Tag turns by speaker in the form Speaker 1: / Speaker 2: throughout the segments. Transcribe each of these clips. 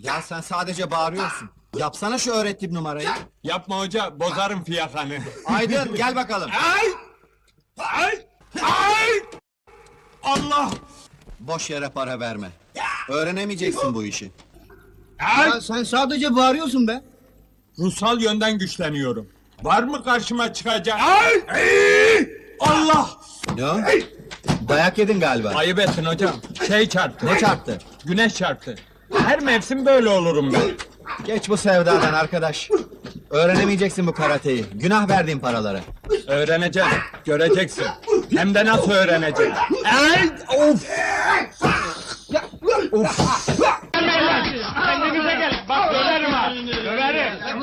Speaker 1: Ya sen sadece bağırıyorsun. Yapsana şu öğrettiğim numarayı.
Speaker 2: Yapma hoca, bozarım fiyakanı.
Speaker 1: Aydın gel bakalım.
Speaker 2: Ay! Ay! Ay! Allah!
Speaker 1: Boş yere para verme. Öğrenemeyeceksin bu işi.
Speaker 2: Ay!
Speaker 1: sen sadece bağırıyorsun be.
Speaker 2: Ruhsal yönden güçleniyorum. Var mı karşıma çıkacak? Ay! Ay! Allah!
Speaker 1: Ne o? Dayak yedin galiba.
Speaker 2: Ayıp ettin hocam. Şey çarptı.
Speaker 1: Ne çarptı?
Speaker 2: Güneş çarptı. Her mevsim böyle olurum ben.
Speaker 1: Geç bu sevdadan arkadaş. Öğrenemeyeceksin bu karateyi. Günah verdiğin paraları.
Speaker 2: Öğreneceğim, göreceksin. Hem de nasıl öğreneceğim. Ay! Of!
Speaker 3: Kendinize gelin. Bak döverim ha. Döverim.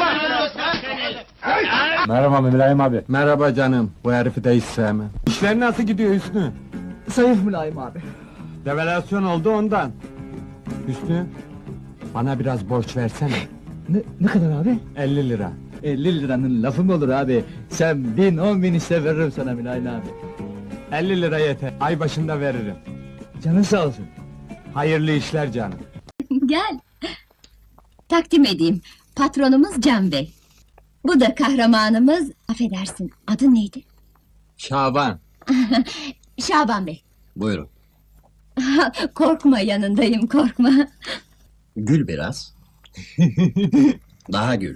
Speaker 2: Merhaba Mülayim abi. Merhaba canım. Bu herifi de hiç sevmem. İşler nasıl gidiyor Hüsnü?
Speaker 4: Zayıf Mülayim abi.
Speaker 2: Devalüasyon oldu ondan. Hüsnü, bana biraz borç versene.
Speaker 4: Ne kadar abi?
Speaker 2: 50 lira.
Speaker 4: 50 liranın lafı mı olur abi? Sen 1000 10.000 iste veririm sana Mülayim abi.
Speaker 2: 50 lira yeter. Ay başında veririm.
Speaker 4: Canın sağ olsun.
Speaker 2: Hayırlı işler canım.
Speaker 5: Gel. Takdim edeyim. Patronumuz Can Bey. Bu da kahramanımız, affedersin, adı neydi?
Speaker 2: Şaban.
Speaker 5: Şaban Bey.
Speaker 1: Buyurun.
Speaker 5: Korkma, yanındayım, korkma.
Speaker 1: Gül biraz. Daha gül.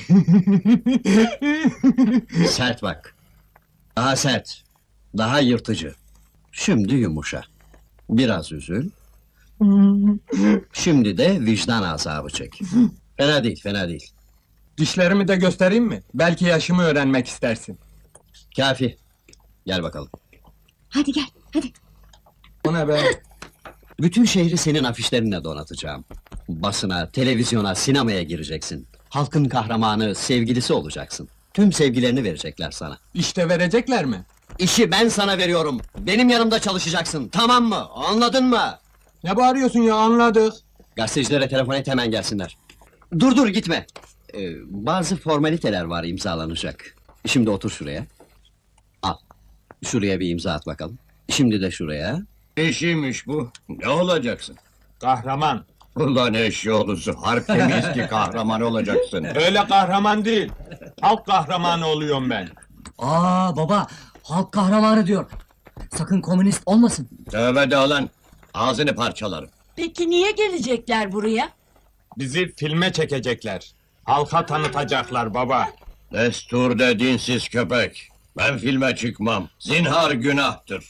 Speaker 1: Sert bak. Daha sert. Daha yırtıcı. Şimdi yumuşa. Biraz üzül. Şimdi de vicdan azabı çek. Fena değil, fena değil.
Speaker 2: Dişlerimi de göstereyim mi? Belki yaşımı öğrenmek istersin.
Speaker 1: Kafi. Gel bakalım.
Speaker 5: Hadi gel, hadi.
Speaker 2: O ne be?
Speaker 1: Bütün şehri senin afişlerinle donatacağım. Basına, televizyona, sinemaya gireceksin. Halkın kahramanı, sevgilisi olacaksın. Tüm sevgilerini verecekler sana.
Speaker 2: İşte verecekler mi?
Speaker 1: İşi ben sana veriyorum. Benim yanımda çalışacaksın. Tamam mı? Anladın mı?
Speaker 2: Ne bağırıyorsun ya, anladık.
Speaker 1: Gazetecilere telefon et, hemen gelsinler. Dur gitme. Bazı formaliteler var imzalanacak. Şimdi otur şuraya. Al. Şuraya bir imza at bakalım. Şimdi de şuraya.
Speaker 6: Eşiymiş bu. Ne olacaksın?
Speaker 2: Kahraman.
Speaker 6: Ulan eşyolusu, harp temiz ki kahraman olacaksın.
Speaker 2: Öyle kahraman değil. Halk kahramanı oluyorum ben.
Speaker 4: Aa baba, halk kahramanı diyor. Sakın komünist olmasın.
Speaker 6: Tövbe de lan, ağzını parçalarım.
Speaker 7: Peki niye gelecekler buraya?
Speaker 2: Bizi filme çekecekler. Halka tanıtacaklar baba.
Speaker 6: Destur de dinsiz köpek. Ben filme çıkmam. Zinhar günahtır.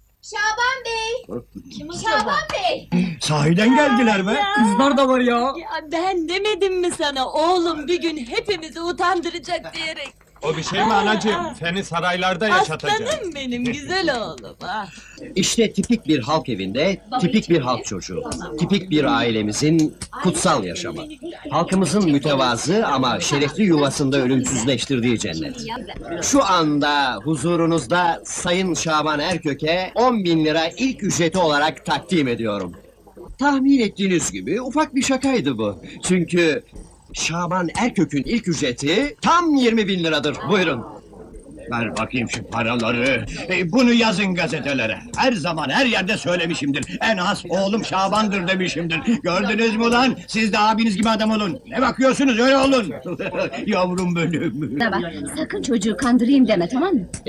Speaker 5: Şaban Bey! Şaban Bey!
Speaker 6: Sahiden geldiler be.
Speaker 4: Kızlar da var ya.
Speaker 7: Ya ben demedim mi sana oğlum bir gün hepimizi utandıracak diyerek.
Speaker 2: O bir şey mi anacığım? Seni saraylarda yaşatacağım.
Speaker 7: Aslanım benim güzel oğlum. Ah.
Speaker 1: İşte tipik bir halk evinde, tipik bir halk çocuğu. Tipik bir ailemizin kutsal yaşamı. Halkımızın mütevazı ama şerefli yuvasında ölümsüzleştirdiği cennet. Şu anda huzurunuzda Sayın Şaban Erkök'e 10.000 lira ilk ücreti olarak takdim ediyorum. Tahmin ettiğiniz gibi ufak bir şakaydı bu. Çünkü Şaban Erkök'ün ilk ücreti tam 20.000 liradır. Buyurun.
Speaker 6: Ver bakayım şu paraları. Bunu yazın gazetelere. Her zaman her yerde söylemişimdir. En az oğlum Şaban'dır demişimdir. Gördünüz mü lan? Siz de abiniz gibi adam olun. Ne bakıyorsunuz, öyle olun. Yavrum benim.
Speaker 5: Bana bak, sakın çocuğu kandırayım deme, tamam mı?